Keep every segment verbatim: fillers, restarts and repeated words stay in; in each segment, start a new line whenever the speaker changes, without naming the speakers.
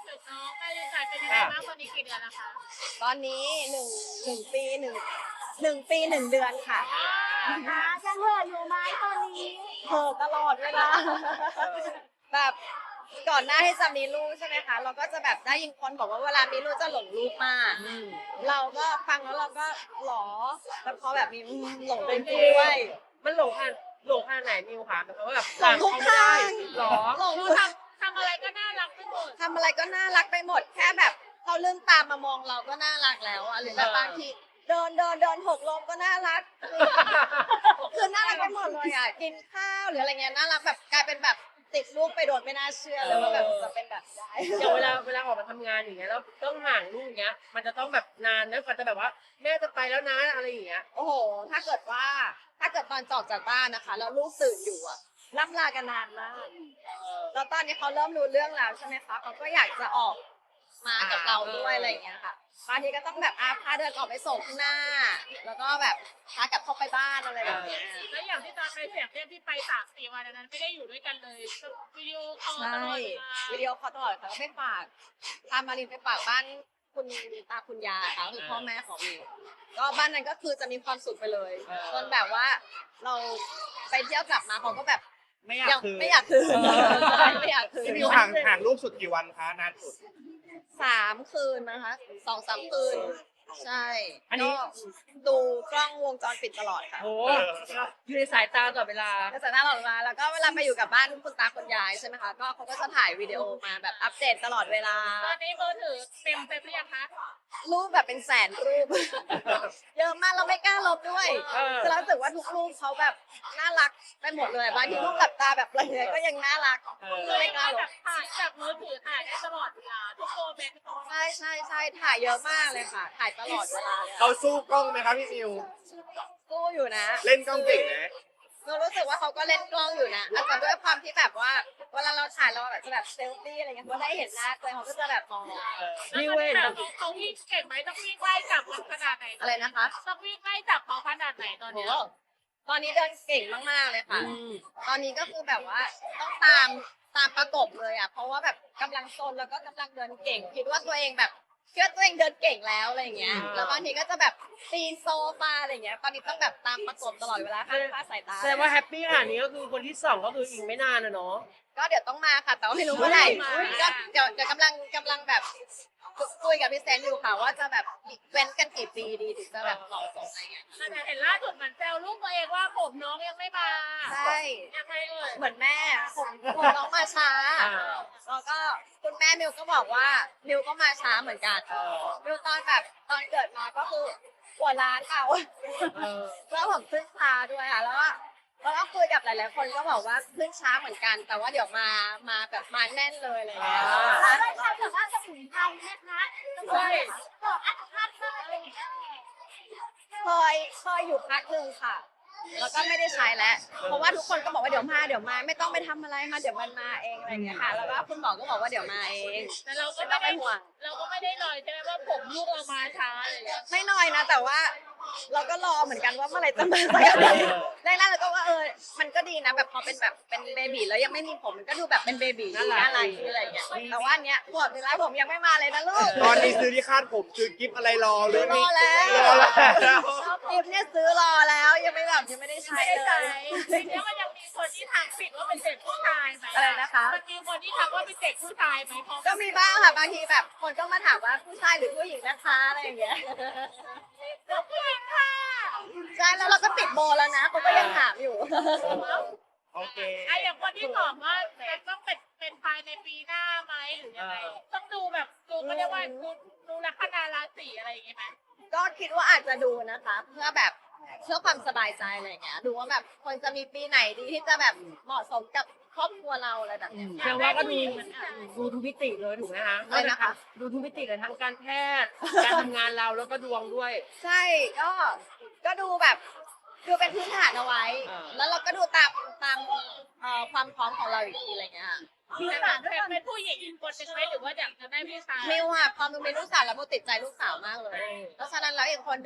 ถึงน้องแม่ลินจ่ายเป็นยังไงบ้างตอนนี้กี่เดือนแล้วคะ
ตอนนี้หนึ่งหนึ่งปีหนึ่งหนึ่งปีหนึ่งเดือนค่ะ
อ่ายังเหลืออยู่ไหมตอนนี้
เห่อตลอดเวลาแบบก่อนหน้าที่จะมีลูกใช่ไหมคะเราก็จะแบบได้ยินคนบอกว่าเวลามีลูกจะหลงลูกมากเราก็ฟังแล้วเราก็หรอแล้วพอแบบมีหลงเป็นด้วย
มันหลงขนาดหลงขนาดไหนมิวคะแบบว่าแบบ
หลงทุกทาง
หรอ
หลง
หนู
ทุก
ทำทำอะไรก็น่ารักไปหมด
ทำอะไรก็น่ารักไปหมดแค่แบบเขาลืมตามมามองเราก็น่ารักแล้วอะหรือแบบบางทีเดินเดินเดินหกล้มก็น่ารักคือน่ารักไปหมดเลยอ่ะกินข้าวหรืออะไรเงี้ยน่ารักแบบกลายเป็นแบบติดลูกไปโดนไม่น่าเชื่อเลยว่าแบบจะเป็นแบบได้
อย่างเวลาเวลาออกมาทำงานอย่างเงี้ยแล้วต้องห่างลูกอย่างเงี้ยมันจะต้องแบบนานนะกว่าจะแบบว่าแม่จะไปแล้วนะอะไรอย่างเงี้ย
โอ้โหถ้าเกิดว่าถ้าเกิดตอนจอกจากบ้านนะคะแล้วลูกตื่นอยู่อะล่ำลากันนานมากแล้วตอนนี้เขาเริ่มรู้เรื่องแล้วใช่ไหมคะเขาก็อยากจะออกมากับเราด้วยอะไรอย่างเงี้ยค่ะบางทีก็ต้องแบบอาพาเดินออกไปส่งข้างหน้า แล้วก็แบบพากลับเข้าไปบ้านอะไรแบบเนี้ย
แล้วอย่างที่ตอนไปเสียงเรียกที่ไปสามสี่วันอันนั้นไม่ได้อยู่ด้วยกันเลยวิดีโอคอลต
ใช่
ลอดเวลา
วิดีโอคอลตลอดค่ะก็ไปฝากพามารินไปฝากบ้านคุณตาคุณยายค่ะคือพ่อแม่ของมิวก็บ้านนั้นก็คือจะมีความสุขไปเลยจนแบบว่าเราไปเที่ยวกลับมาเขาก็แบบ
ไม่อยาก
ยัง
คืน
ไม่อยากคืนไม่อยากคืน
พี่มิวห่างห่างลูกสุดกี่วันคะนานสุด
สามคืนนะคะสองสามคืนใช่
อันนี้
ก็ดูกล้องวงจรปิดตลอดค่ะ
โอ้อยู่ในสายตาตลอดเวลา
ก็จะน่ารักมากแล้วก็เวลาไปอยู่กับบ้านคุณตาคุณยายใช่ไหมคะก็เขาก็จะถ่ายวิดีโอมาแบบอัปเดตตลอดเวลา
ตอนนี้มือถือเต็มเต็มหรือยังคะ
รูปแบบเป็นแสนรูป เยอะมากเราไม่กล้าลบด้วย
เออ
คือเรารู้สึกว่าทุกรูปเขาแบบน่ารักไปหมดเลยบางทีรูปหลับตาแบบอะไรเงี้ยก็ยังน่ารัก
เออ
คือ
ไม่กล้าล
แบบ บถ่ายจากมือถือถ่ายได้ตลอดเวลาทุกโมเมนต์
ใช่ใช่ใช่ถ่ายเยอะมากเลยค่ะ ถ่ายตลอดเวลาเลย
เขาสู้กล้องไหมครับพี่มิว
สู้อยู่นะ
เล่นกล้องเก่งนะ
เรารู้สึกว่าเขาก็เล่นกล้องอยู่นะอาจจะด้วยความที่แบบว่าเวลาเราถ่ายเราแบบจะแบบเซลฟี่อะไรเงี้ยเขาได้เห็นหน้าตัวเองเขาก็จะแบบมอง
มิวเว้น
แล้วเขาเขาวิ่งเก่งไหมต้องวิ่งไล่จับมันขนาดไหน
อะไรนะคะ
ต้องวิ่งไล่จับเขาขนาดไหนตอน
โอ้
เนี้ย
ตอนนี้เดินเก่งมากๆเลยค่ะ ตอนนี้ก็คือแบบว่าต้องตามตามประกบเลยอ่ะ เพราะว่าแบบกำลังโซนแล้วก็กำลังเดินเก่ง คิดว่าตัวเองแบบคิดว่าตัวเองเดินเก่งแล้วอะไรอย่างเงี้ย แล้วบางทีก็จะแบบปีนโซฟาอะไรอย่างเงี้ย ตอนนี้ต้องแบบตามประกบตลอดเวลาห้ามพลาดสายตา
แสดงว่าแฮปปี้ขนาดนี้ก็คือคนที่สองก็คืออีกไม่นานนะเนาะ
ก็เดี๋ยวต้องมาค่ะ แต่ว่าไม่รู้เมื่อไหร่ก็เดี๋ยวเดี๋ยวกำลังกำลังแบบคุยกับพี่แซนอยู่ค่ะว่าจะแบบเว้นกันกี่ปีดีถึงจะแบบเหมาะสมอะไรเงี้ย
แต่เห็นล่าสุดเหมือนแซวลูกตัวเองว่าผมน้องยังไม่มา
ใช่
ยังไงเอ่ย
เหมือนแม่ผมผมน้องมาช้า
อ่า
แล้วก็คุณแม่มิวก็บอกว่ามิวก็มาช้าเหมือนกันมิวตอนแบบตอนเกิดมาก็คือหัวล้านเอา
เออ
แล้วผมขึ้นช้าด้วยค่ะแล้วก็แล้วก็คุยกับหลายๆคนก็บอกว่าขึ้นช้าเหมือนกัน แต่ว่าเดี๋ยวมามาแบบมาแน่นเลยอะไรเลย
แล้วได้ทำแบบว่าสมุนไพรไหมคะใช่บอกอัตคัดเลย
เคยเคยอยู่พักหนึ่งค่ะ แล้วก็ไม่ได้ใช้แล้ว เพราะว่าทุกคนก็บอกว่าเดี๋ยวมาเดี๋ยวมาไม่ต้องไปทำอะไรมาเดี๋ยวมันมาเองอะไรอย่างเงี้ยค่ะ แล้วก็คุณหมอก็บอกว่าเดี๋ยวมาเอง
แต่เราก็
ไม่ต้
ไม่
องไป
ได้
ห่วง
เราก็ไม่ได้ลอยใช่ไหมว่าผมลูกเรามาช้าอะไรอย่างเงี้ย
ไม่น้อยนะ แต่ว่าเราก็รอเหมือนกันว่าเมื่อไหร่จะมาสักทีแรกๆเราก็ว่าเออมันก็ดีนะแบบพอเป็นแบบเป็นเบบีแล้วยังไม่มีผมมันก็ดูแบบเป็นเบบีน่ารักอะไรอะไรอย่างเงี้ยแต่ว่าอันเนี้ยขวบหนึ่งแล้วผมยังไม่มาเลยนะลูก
ตอนนี้ซื้อที่คาดผมซื้อกิฟอะไรรอหรื
ซื้
อ
อร
มี
อแล้ว
รอแล้ว
ชอบกิฟเนี่ยซื้อรอแล้วยังไม่แบบยังไม่ได้ใช้
ไม่ได้
เล
ใช้
ย
ทีนี้มันยังมีคนที่ทักผิดว่าเป็นเด็กผู้ชายไหม
อะไรนะคะ
มันมีคนที่ทักว่าเป็นเด็กผู้ชายไหมพอ
ก็มีบ้างค่ะบางทีแบบคนก็มาถามว่าผู้ชายหรือผู้หญิงนะคะอะไรอย่างเงี้ย
ลูกผู้หญิงค่ะ
ใช่แล้วเราก็ติดโบแล้วนะเขาก็ยังถามอยู่
โอเค
ไอ้อย่างคนที่ตอบว่าจะต้องเป็นเป็นภายในปีหน้าไหมหรือยังไงต้องดูแบบดูก็เรียกว่าดูดูลัคนาราศีอะไรอย่างเงี้ยไหม
ก็คิดว่าอาจจะดูนะคะ เพื่อแบบเพื่อความสบายใจอะไรอย่างเงี้ยดูว่าแบบคนจะมีปีไหนดีที่จะแบบเหมาะสมกับครอบครัวเราอะไรแบบเนี้ย
แสดงว่าก็ดูดูทุกมิติเลยถูกไหมคะ
อะไรนะคะ
ดูทุกมิติเลยทั้งการแพทย์การทำงานเราแล้วก็ดวงด้วย
ใช่ก็ก็ดูแบบดูเป็นพื้นฐานเอาไว้
อ่า
แล้วเราก็ดูตามตามเอ่อความพร้อมของเราอีกทีอะไรเงี้ยค่ะ
มีสารเป็นเป็นผู้หญิงอีกคนหนึ่งไหมหรือว่าอยากจะได้ผู้ชาย
มิวอะพอมิวมีลูกสาวแล้วมิวติดใจลูกสาวมากเลยเพราะฉะนั้นแล้วอีกคนหนึ่งแบบ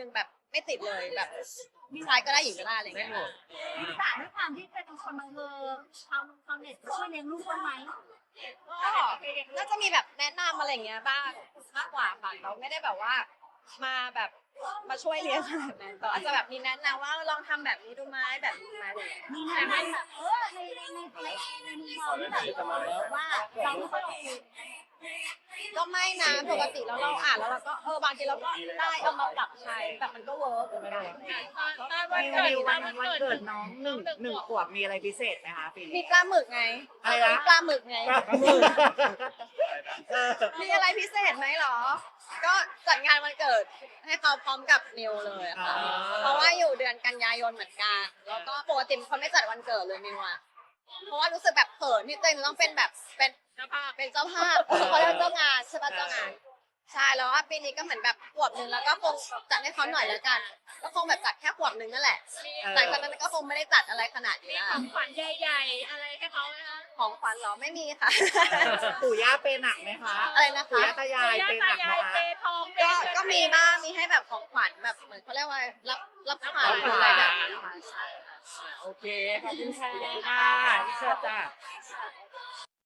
ไม่ติดเลยแบบชายก็ได้หญิงก็ได้อะไรอย่าง
ไม่
เงี้ย
หมด
แต่ด้วยความที่เป็นคนบังเอิญชาวชาวเน็ตช่วยเลี้ยงลูกบ้างไหม
ก็น่าจะมีแบบแนะนำอะไรอย่างเงี้ยบ้างมากกว่าค่ะเราไม่ได้แบบว่ามาแบบมาช่วยเลี้ยงขนาดนั้นแต่อาจจะแบบมีแนะนำว่าลองทำแบบนี้ดูไหมแบบนี้ไหมอะไรอย่างเงี้ย
มีแนะนำแบบเออในในในในในมุมมองที่แบบว่าเราไม่ค่อยโอเค
ก็ไม่นะปกติแล้วเราอ่านแล้วเราก็เออบางทีเราก็ได้เอามาปรับใช้แต่มันก็เวิร์กเหมือนกัน
ตอนวันเกิดตอนวันเกิด
น้องหนึ่งหนึ่งขวบมีอะไรพิเศษไหมคะปี
มี
นี้
ปลาหมึกไง
อะไรนะ
มีปลาหมึกไง
เออ
มีอะไรพิเศษไหมหรอ ก็จัดงานวันเกิดให้เขาพร้อมกับนิวเลยอะค่ะ เพราะว่าอยู่เดือนกันยายนเหมือนกัน แล้วก็ปกติเป็นคนไม่จัดวันเกิดเลยนิวอะเพราะว่ารู้สึกแบบเขินที่ตัวเองต้องเป็นแบบเป็น
เจ้าภาพ
เป็นเจ้าภาพเขาเรียกเจ้างานใช่ปะเจ้างาน ใช่แล้วว่าปีนี้ก็เหมือนแบบขวบหนึ่งแล้วก็คงจัดให้เขาหน่อยแล้วกัน ก็คงแบบจัดแค่ขวบหนึ่งนั่นแหละ
มี
หลังจากนั้นก็คงไม่ได้จัดอะไรขนาด
มี
นี้
ของขวัญใหญ่ๆอะไรให้เขาไหมคะ
ของขวัญเหรอไม่มีค่ะ
ปู่ย่าเป็นหนักไหมคะ
อะไรนะ
ปู่
คะ
ย่าตายายเป็นหนักไหม
ยาย
คะ
เปทองเป
ก็
เงิน
ก็มีบ้างมีให้แบบของขวัญแบบเหมือนเขาเรียกว่ารับรับขวัญอะไรแบบนี้ค่ะใช่
โอเคขอบคุณค่ะที่เชิญจ้า